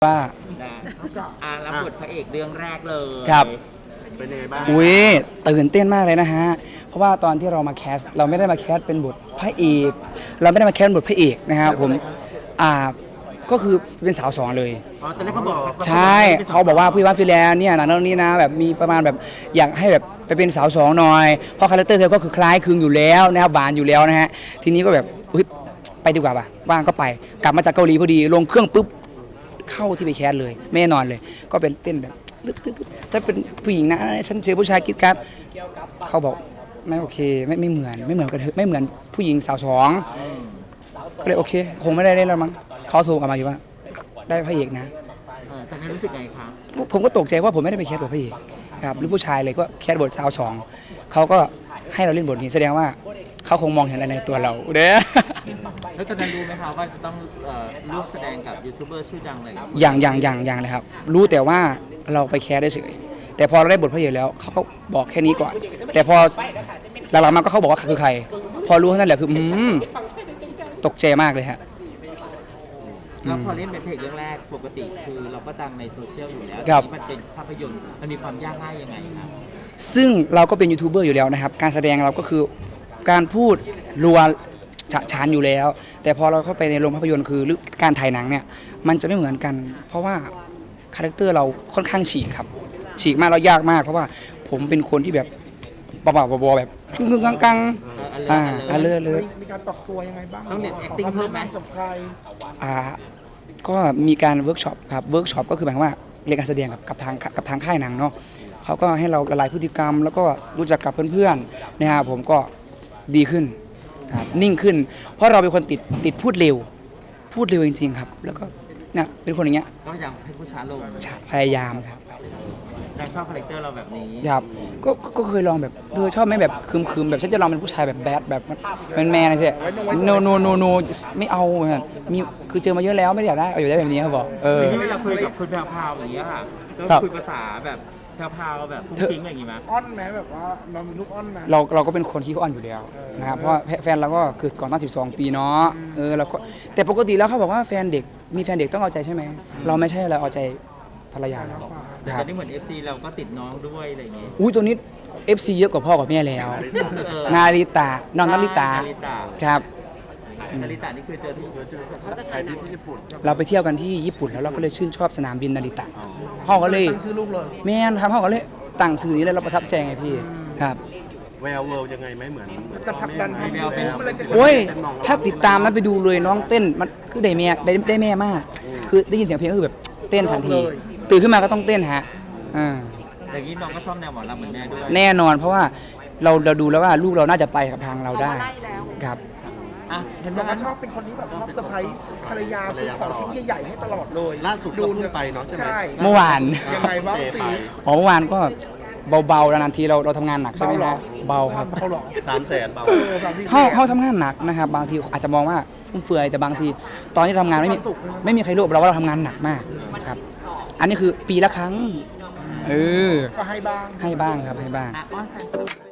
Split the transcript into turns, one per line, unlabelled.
ว่า
รับบทพระเอกเรื่องแรกเลย
ครับ
เป็นยังไงบ้าง
อุ้ยตื่นเต้นมากเลยนะฮะเพราะว่าตอนที่เรามาแคสเราไม่ได้มาแคสเป็นบทพระเอกเราไม่ได้มาแคสบทพระเอกนะครับผมก็คือเป็นสาวสองเลย
ตอนแรกเขาบอก
ใช่เขาบอกว่าพี่ว่าฟิแลนเนี่ยหนังเรื่องนี้นะแบบมีประมาณแบบอยากให้แบบไปเป็นสาวสองหน่อยเพราะคาแรคเตอร์เธอก็คือคล้ายคลึงอยู่แล้วนะครับหวานอยู่แล้วนะฮะทีนี้ก็แบบไปดีกว่าป่ะว่างก็ไปกลับมาจากเกาหลีพอดีลงเครื่องปุ๊บเข้าที่ไปแคสเลยไม่นอนเลยก็เป็นเต้นแบบถ้าเป็นผู้หญิงนะฉันเจอผู้ชายกิ๊ดกัดเขาบอกไม่โอเคไม่เหมือนกันไม่เหมือนผู้หญิงสาวสองก็เลยโอเคคงไม่ได้เล่นแล้วมั้งเขาโทรกลับมาอยู่ว่าได้พระเอกนะ
แต่รู้สึกไงคะ
ผมก็ตกใจว่าผมไม่ได้ไปแคสบทพระเอกครับหรือผู้ชายเลยก็แคสบทสาวสองเขาก็ให้เราเล่นบทนี้แสดงว่าเขาคงมองเห็นอะไรในตัวเราเด้อ
แล้วตอนนั้นรู้ไหมคะว่าจะต้องร่วมแสดงกับยูทูบเบอร์ชื่อดังเลย
อย่างเลยครับรู้แต่ว่าเราไปแคสได้เฉยแต่พอเราได้บทพระเอกแล้วเขาก็บอกแค่นี้ก่อนแต่พอหลังๆมาก็เขาบอกว่าคือใครพอรู้เท่านั้นแหละคือตกใจมากเลยฮะ
แล้วพอเล่นเป็นเพลงเรื่องแรกปกติคือเราก็ดังในโซเชียลอยู่แล้วมันเป็นภาพยนตร์มันมีความยากง่ายยังไงครับ
ซึ่งเราก็เป็นยูทูบเบอร์อยู่แล้วนะครับการแสดงเราก็คือการพูดรัวฉะฉานอยู่แล้วแต่พอเราเข้าไปในโรงภาพยนตร์คือหรือการถ่ายหนังเนี่ยมันจะไม่เหมือนกันเพราะว่าคาแรคเตอร์เราค่อนข้างฉีกครับฉีกมากแล้วยากมากเพราะว่าผมเป็นคนที่แบบบ้าๆบอๆแบบกึ่งๆกังๆเลย
มีการปรับตัวยังไงบ้าง
ต้องเน็ตแอคติ้งเพิ่มไหม
กับใคร
ก็มีการเวิร์กช็อปครับเวิร์กช็อปก็คือหมายว่าเรียนการแสดงกับทางค่ายหนังเนาะเขาก็ให้เราละลายพฤติกรรมแล้วก็รู้จักกับเพื่อนๆนะครับผมก็ดีขึ้นครับนิ่งขึ้นเพราะเราเป็นคนติดพูดเร็วจริงๆครับแล้วก็เนี่ยเป็นคนอย่างเงี้ย
ก็พยายามให้ผู้ช้าลง
พยายามครับ
ชอบคาแรคเตอร์เราแบบนี้
ครับก็เคยลองแบบชอบไหมแบบคืมแบบฉันจะลองเป็นผู้ชายแบบแบดแบบเป็นแมนอะไรสิโนไม่เอามีคือเจอมาเยอะแล้วไม่อยากได้เอาอยู่ได้แบบนี้เขาบอก
ไม่อยากคุยกับคุณแพรวอย่างเงี้ยค่ะก็คุยภาษาแบบแพรวแบบฟุ้งฟิ้งอย่างงี้มั้ย
อ้อนไหมแบบว่าเรามีลูกอ้อนไหม
เราก็เป็นคนที่อ้อนอยู่แล้วนะครับเพราะแฟนเราก็คือก่อนตั้ง12 ปีเนาะเราก็แต่ปกติแล้วเขาบอกว่ามีแฟนเด็กต้องเอาใจใช่ไหมเราไม่ใช่เราเอาใจภรรยา
แต่นี่เหมือน FC เราก็ติดน้องด้วยอะไรอย่างงี้
ตัวนี้ FC เยอะกว่าพ่อกับแม่แล้วนาริตะน้องนาริตะครับ
นาริตะนี่คือเจอที่
ญี่ปุ่น
เราไปเที่ยวกันที่ญี่ปุ่นแล้วเราก็เลยชื่นชอบสนามบินนาริตะพ่อก็เลย
ตั้งชื่อลูกเลย
แม่นครับพ่อก็เลยตั้งชื่อนี้เลยเราประทับใจไงพี่ครับ
แววเวิลด์ยังไงไหมเหมือน
จะผลักดันให้แววเป็น
โอ้ยถ้าติดตามนะไปดูเลยน้องเต้นมันคือได้แม่มากคือได้ยินเสียงเพลงก็คือแบบเต้นทันทีตื่นขึ้นมาก็ต้องเต้นฮะ
อย่างนี้น้องก็ชอบแนวหมอลำเหมือนแม่ด้วย
แน่นอนเพราะว่าเราดูแล้วว่าลูกเราน่าจะไปกับทางเราได้ครับ
เห็นบอกว่าชอบเป็นคนที่แบบชอบเซอร์ไพรส์ภรรยาซื้อของชิ้นใหญ่ๆให้ตลอดเลยล่าสุดดูไปเนาะใช่ไหม
เมื่อวาน
ยังไงบ้างสิ
เมื่อวานก็เบาๆนานทีเราทำงานหนักใช่ไหมครับเบาครับ
300,000เบา
เขาทำงานหนักนะครับบางทีอาจจะมองว่าฟุ่มเฟือยแต่บางทีตอนที่ทำงานไม่มีใครรู้เราว่าเราทำงานหนักมากครับอันนี้คือปีละครั้ง
ก็ให้บ้าง
ครับให้บ้าง